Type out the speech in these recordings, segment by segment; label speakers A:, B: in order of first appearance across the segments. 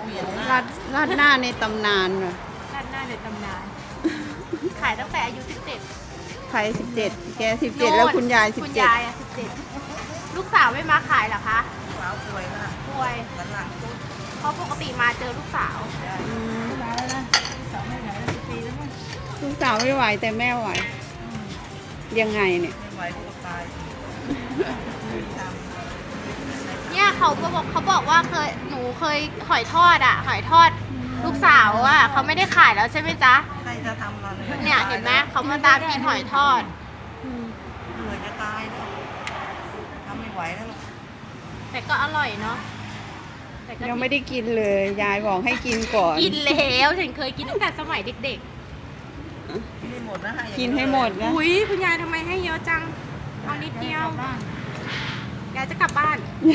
A: ราดราดหน้าในตำนานเหรอ
B: ราดหน้าในตำนาน ขายตั้งแต่อายุ 17
A: ใคร17แก17แล้วคุณยาย
B: คุณยายอะ17 ลูกสาวไม่มาขายเหรอคะ
C: สาวป่วยค่ะ
B: ป่วย
C: สันหลังตุ๊ด
B: เพราะปกติมาเจอลูกสาว
A: อืม
C: มาแล้วนะสาวไม่ไหนแล้วปีแล้วมั้ง
A: ลูกสาวไม่ไหวแต่แม่ไหว ยังไงเนี่ย
C: ไม่ไหวก็ตายท
B: เนี่ยเขาบอกว่าหนูเคยหอยทอดหอยทอดลูกสาวเขาไม่ได้ขายแล้วใช่ไหมจ๊ะ
C: ำใครจะทำเรา
B: เนี่ยเห็นไหมเขามาตามกินหอยทอด
C: เหนื่อยจะตายแล้วทำไม่ไหวแล้ว
B: แต่ก็อร่อยเนาะแต่ก็
A: ยังไม่ได้กินเลย ยายบอกให้กินก่อน
B: กินแล้วฉันเคยกินตั้งแต่สมัยเด็ก
C: ไม่หมดนะฮะ
A: กินให้หมด
B: ๆ
A: นะ
B: อุ้ยคุณยายทำไมให้เยอะจังเอานิดเดียวยายจะกลับบ้าน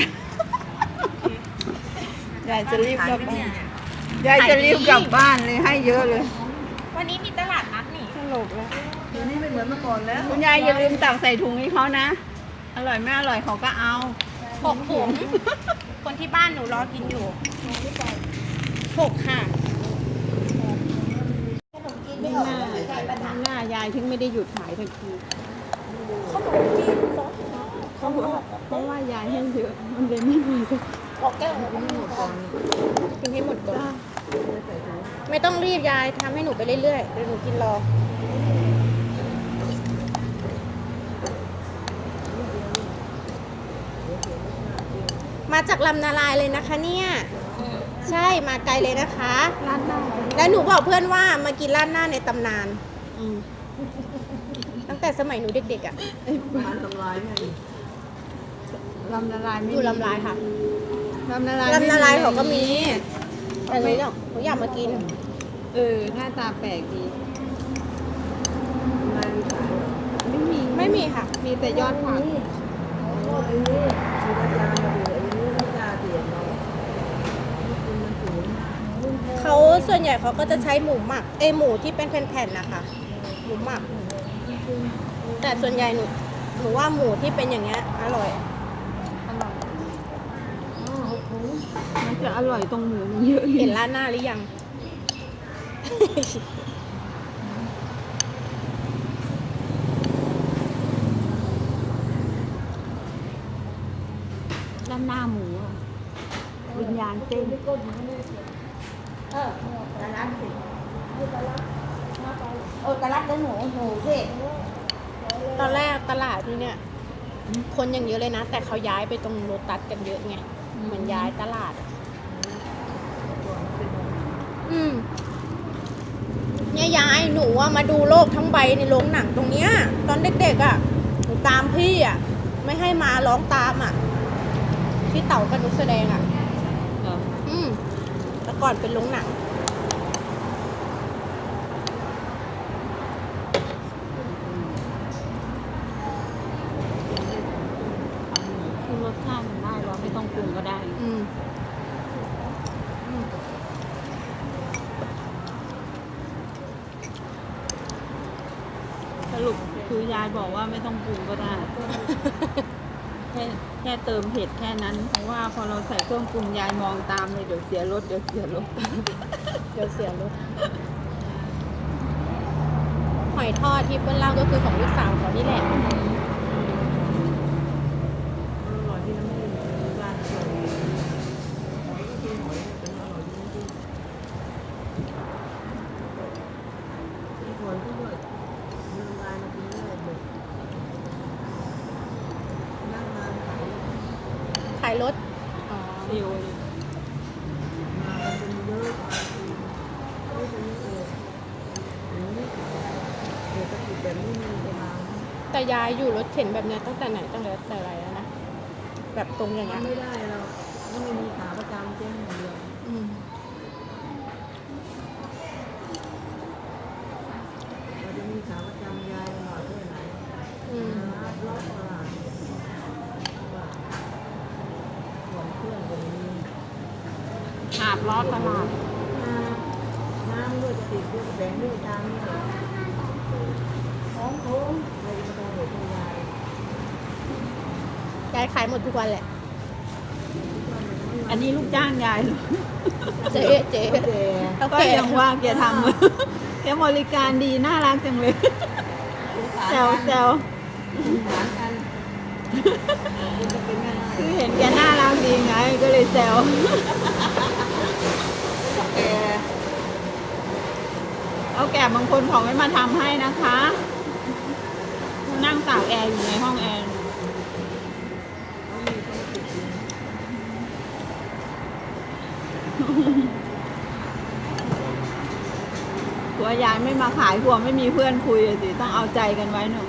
A: ยายจะรีบกลับบ้านยายจะรีบกลับบ้านเลยให้เยอะเลย
B: วันนี้มีตลาดนัดนี่
A: ตลกแล้ว
C: เดี๋ยวนี้ไม่เหมือนเมื่อก่อนแล้ว
A: คุณยายอย่าลืมตักใส่ถุงให้เขานะ อร่อยไม่อร่อยเขาก็เอา
B: 6 ถุง คนที่บ้านหนูรอกินอยู่6 ค่ะ
A: หน้ายายถึงไม่ได้หยุดขายทันทีเพราะว่ายายให้เยอะมันเลยไม่มีสัก
B: กินให้หมดก่อนไม่ต้องรีบยายทำให้หนูไปเรื่อยๆเดี๋ยวหนูกินรอ มาจากลำนาลายเลยนะคะเนี่ยใช่มาไกลเลยนะคะ
A: ร้านหน้า
B: แล้วหนูบอกเพื่อนว่ามากินราดหน้าในตำนาน
A: อืม
B: ตั้งแต่สมัยหนูเด็กๆอ่ะ
C: ร้านทำลายไง
A: ลำนาลายไม่
B: อยู่ลำลายค่ะ
A: ลำนาลาย
B: ลำนาลายเขาก็มีแต่หนูอยากมากิน
A: หน้าตาแปลกดี
C: ร้านขาย
A: ไม่มี
B: ไม่มีค่ะ
A: มีแต่ยอดผัก
C: มีราคามาดูไอ้นี่ราคาเสียเนาะคุณมันสูงมาก
B: เขาส่วนใหญ่เขาก็จะใช้หมูหมักหมูที่เป็นแผ่นๆนะคะหมูหมัก แต่ส่วนใหญ่หนูว่าหมูที่เป็นอย่างเงี้ยอร่อย
A: อร่อยมันจะอร่อยตรงหมูมันเยอะ
B: เห็นร้านหน้าหรือยัง
A: ด้านหน้าหมูอะวิญญาณเส้น
C: ตลาดสิตลาดได้หนูสิ
B: ตอนแรกตลาดนี่เนี่ย คนยังเยอะเลยนะ แต่เขาย้ายไปตรงโลตัสกันเยอะไงเหมือนย้ายตลาดอะเนี่ยยายหนูอะมาดูโลกทั้งใบในโรงหนังตรงเนี้ย ตอนเด็กๆอะหนูตามพี่อะไม่ให้มาร้องตามอะพี่เต๋ากับนุกแสดงอะแต่ก่อนเป็นโรงหนัง
A: คือรสชาติมันได้เราไม่ต้องปรุงก็ได้ สรุปคือยายบอกว่าไม่ต้องปรุงก็ได้ แค่เติมเผ็ดแค่นั้น เพราะว่าพอเราใส่เครื่องปรุงยายมองตามเลยเดี๋ยวเสียรสเดี๋ยวเสียรส
B: เดี๋ยวเสียรถหอยทอดที่เปิ้ลเล่าก็คือของลูกสาวเขานี่แหละ
C: อร่อยที่น้ำมันร้านหอยก็กินหอยเป็นอร่อยจริงๆมีหอยด้วยมีน้ำลายมากินเลยหมดนั่งนานขาย
B: ขายรถ
A: ฟิว
C: มาเป็นเยอะมาไม่เป็นเองเศรษฐกิจแบบนี้มีประมาณ
B: แต่ยายอยู่รถเข็นแบบเนี้ยตั้งแต่ไหนตั้งแต่ไรแล้วนะ แบบตรงอย่างเงี้ย
C: ไม่ได้เราไม่มีขาประจำเจ๊งอย่างเดียว
B: อืม
C: เราจะมีขาประจำยายหน่อยเท่าไหร่
B: อืม
C: รอบตลาดส่วนเพื่อนก็มี
A: หาบล้อตลาด
C: น้ำด้วยจะติดด้วยแบงด้วยทางนี่ของโค้งอะไรก็ต้องเหลือคุณยาย
B: ยายขายหมดทุกวันแหละ
A: อันนี้ลูกจ้างยายเหรอ
B: เจ๊เจ๊
C: เจ๊
B: เท่า
A: ก็
B: แก่
A: ยังว่าแกทำ แกบริการดีน่ารักจังเลยแซวแซว
C: หารกันคุณจะเป็นแม่ไม้
A: คือเห็นแกน่ารักดีไงก็เลยแซว
C: แก
A: เอาแก่บางคนเขาไม่มาทำให้นะคะนั่งตากแอร์อยู่ในห้องแอร์
C: เขามีธุรกิจดี
A: ตัวยายไม่มาขายกลัวไม่มีเพื่อนคุยอะสิต้องเอาใจกันไว้หนู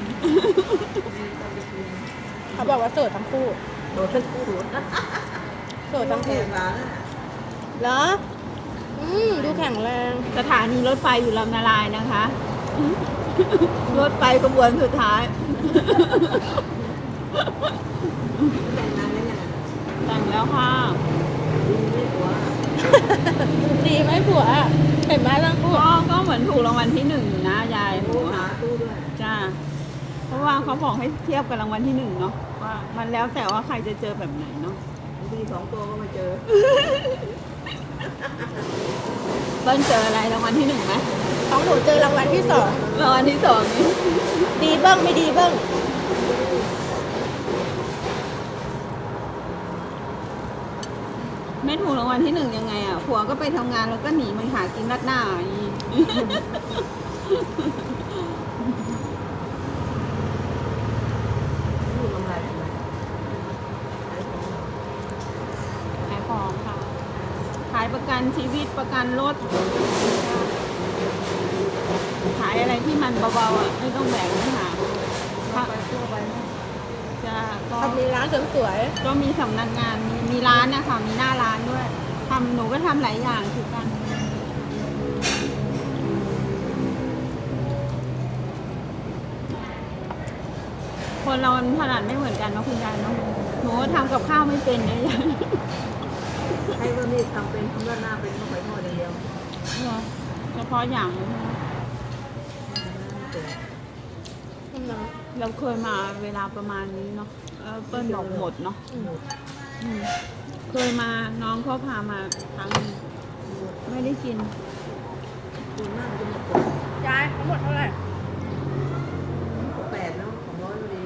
B: เขาบอกว่าโสดทั้งคู่
C: โดดทั้งคู่
B: โสดทั้ง
C: แข่
B: คู่
C: งร้าน
B: เหรอดูแข็งแรง
A: สถานีรถไฟอยู่ลำนาลายนะคะ รถไฟขบวนสุดท้าย
C: แต่งงานยังไง
A: แต่งแล้วค่ะ
C: ดีไม่หัว
B: ดีไหมผัวเห็นไหมทั้งคู่
A: ก็เหมือนถูกรางวัลที่หนึ่งอยู่นะยายหนู
C: ตู้หา
A: อะ
C: ตู้ด้วย
A: จ้าเพราะว่าเขาบอกให้เทียบกับรางวัลที่หนึ่งเนาะว่ามันแล้วแต่ว่าใครจะเจอแบบไหนเนาะ
C: บางที2 ตัวก็มาเจอ
A: เบิ้ลเจออะไรรางวัลที่หนึ่งไหม
B: ของหนูเจอรางวัลที่สอง
A: รางวัลที่สองนี่
B: ดีเบิ้งไม่ดีเบิ้ง
A: ไม่ถูกรางวัลที่หนึ่งยังไงอ่ะผัวก็ไปทำงานแล้วก็หนีมาหากินรัดหน้าอีก
C: ลูกกำไรทำไม
A: ขายของค่ะ ขายประกันชีวิตประกันรถ ขายอะไรที่มันเบาๆอ่ะไม่ต้องแบกไม่หา
C: เข้าไปทั่วไปนะ
A: จ้าก็
B: ทำมีร้านเสริมสวย
A: ก็มีสำนักงานมีร้านนะคะมีหน้าร้านด้วยทำหนูก็ทำหลายอย่างคือกัน คนเราถนัดไม่เหมือนกันเนาะคุณยายเนาะหนูก็ทำกับข้าวไม่เป็นเลยยาย
C: ให้ว่านี่ทำเป็นทำด้านหน้าเป็นก็ไปทอดอย่างเดียว
A: เหรอเฉพาะอย่างเลยใช่ไหมเราเคยมาเวลาประมาณนี้เนาะเปิ้ลบอกหมดเนาะอืมเคยมาน้องเขาพามาครั้งหนึ่งไม่ได้กิน
C: ดูหน้ามันจะหมด
B: ยายทั้งหมดเท่าไหร่
C: 8เนาะ200พอดี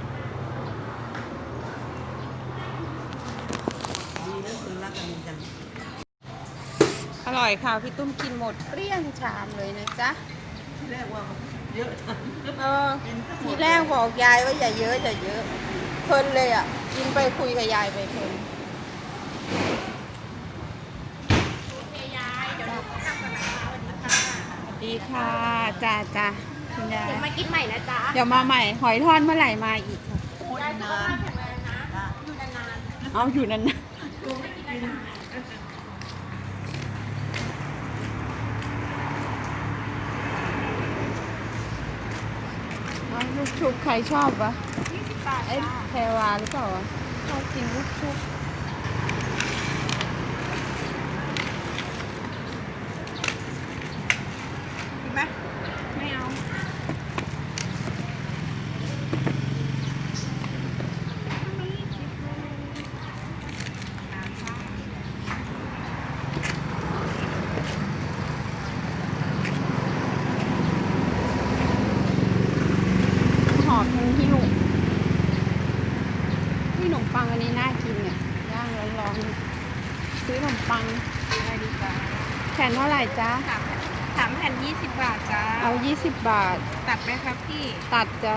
C: ดีนะคุณรักกันจัง
A: อร่อยค่ะพี่ตุ้มกินหมดเกลี้ยงชามเลยนะจ๊ะ
C: แรกว่าเยอะ
A: ทีแรกบอกยายว่าอย่าเยอะอย่าเยอะเพลินเลยอ่ะกินไปคุยกับยายไปเพลินสวัสดีค่ะจ้าจ้าคุณยาย
B: เดี๋ยวมากินใหม่นะจ๊ะ
A: เดี๋ยวมาใหม่หอยทอดเมื่อไหร่มาอีกค่ะ
B: ยายสุขภาพแข็งแรงนะอยู่นาน
A: เอาอยู่นั่นนะเอาลูกชุบใครชอบวะ
B: 20 บาท
A: เอ้ยแพรวาหรือเปล่าวะชอบกินลูกชุบ
B: กินไหม
A: ไม่เอาหอมทั้งหิ้วที่ขนมปังอันนี้น่ากินเนี่ยย่างร้อนๆซื้อขนมปัง
B: ได้ดีจ้ะ
A: แผ่นเท่าไหร่จ๊ะ
B: 3 แผ่น 20 บาทจ้า
A: เอา20 บาท
B: ตัดไหมครับพี่
A: ตัดจ้ะ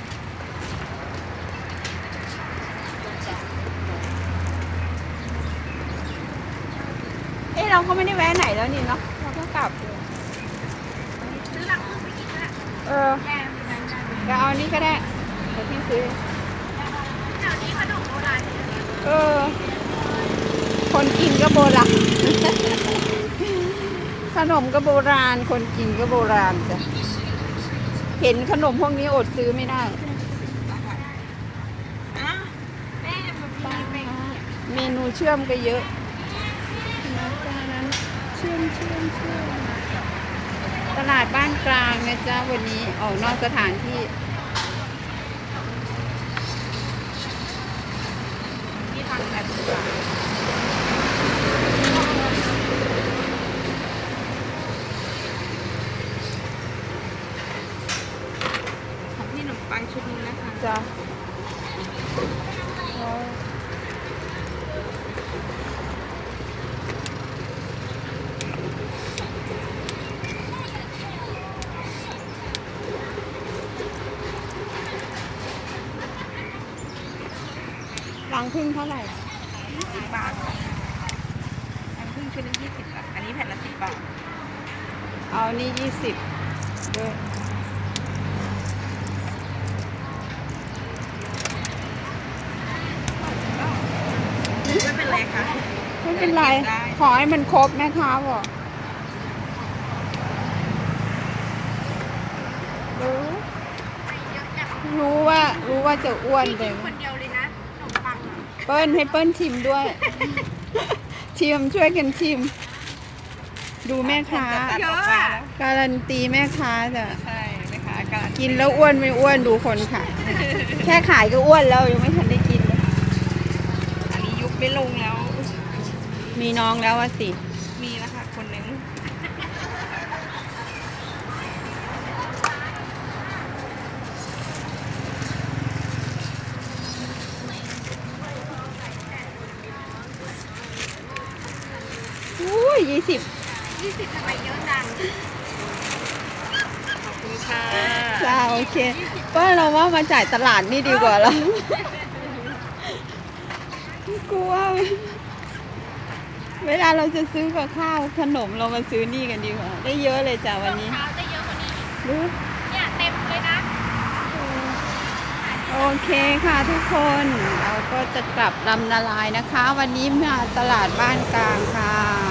A: เอ้เราก็ไม่ได้แวะไหนแล้วนี่เนาะเราก็กลับเลย
B: ซื้อหลังมือไปกินละ
A: เออ
B: แกงเป็นนั้นจ้ะ
A: ก็เอานี่ก็ได้เดี๋ยวพี่ซื้อ
B: แถวนี้ขนมโบราณ
A: เออ คนกินก็โบราณ ขนมก็โบราณ คนกินก็โบราณจ้ะ เห็นขนมพวกนี้อดซื้อไม่ได้
B: แม่มันมีเป็น
A: เมนูเชื่อมก็เยอะนั้นเชื่อมตลาดบ้านกลางนะจ๊ะวันนี้ออกนอกสถานที่
B: ที่ทางแบบ
A: จ้ะรังพึ่งเท่าไหร่
D: 20 บาทอันครึ่งชุดละ20 บาท อันนี้แผ่นละ10 บาท
A: เอานี่20ด้วย
D: ไม่เป็นไรค่ะ
A: ไม่เป็นไร
D: ได้
A: ขอให้มันครบแม่ค้าบอกรู้ว่าจะอ้วนแต่
B: คนเดียวเลยนะขนมปังอ่ะ
A: เปิ้ลให้เปิ้ลชิมด้วย ชิมช่วยกันชิม ดูแม่ค้า
D: เยอะอ่ะ
A: การันตีแม่ค้าจ้ะ
D: ใช่ไหมคะการ
A: กินแล้วอ้วนไม่อ้วนดูคนขาย แค่ขายก็อ้วนแล้วยังไม่ทันได้กินเลย
D: อันนี้ยุบไม่ลงแล้ว
A: มีน้องแล้วอะสิ
D: มีแล้วค่ะคนหนึง
A: อุ้ย20
B: 20ทำไมเยอะจัง
D: ขอบคุณค่ะ
A: จ้าโอเคเปิ้ลเราว่ามาจ่ายตลาดนี่ดีกว่าแล้วกลัวเวลาเราจะซื้อกับข้าวขนมเรามาซื้อนี่กันดีกว่า ได้เยอะเลยจ้ะวันนี้
B: เช้าจะเยอะกว่านี้อีก
A: รู้
B: เนี่ยเต็มเลยนะ
A: โอเคค่ะทุกคนเราก็จะกลับลำนาลายนะคะ วันนี้มาตลาดบ้านกลางค่ะ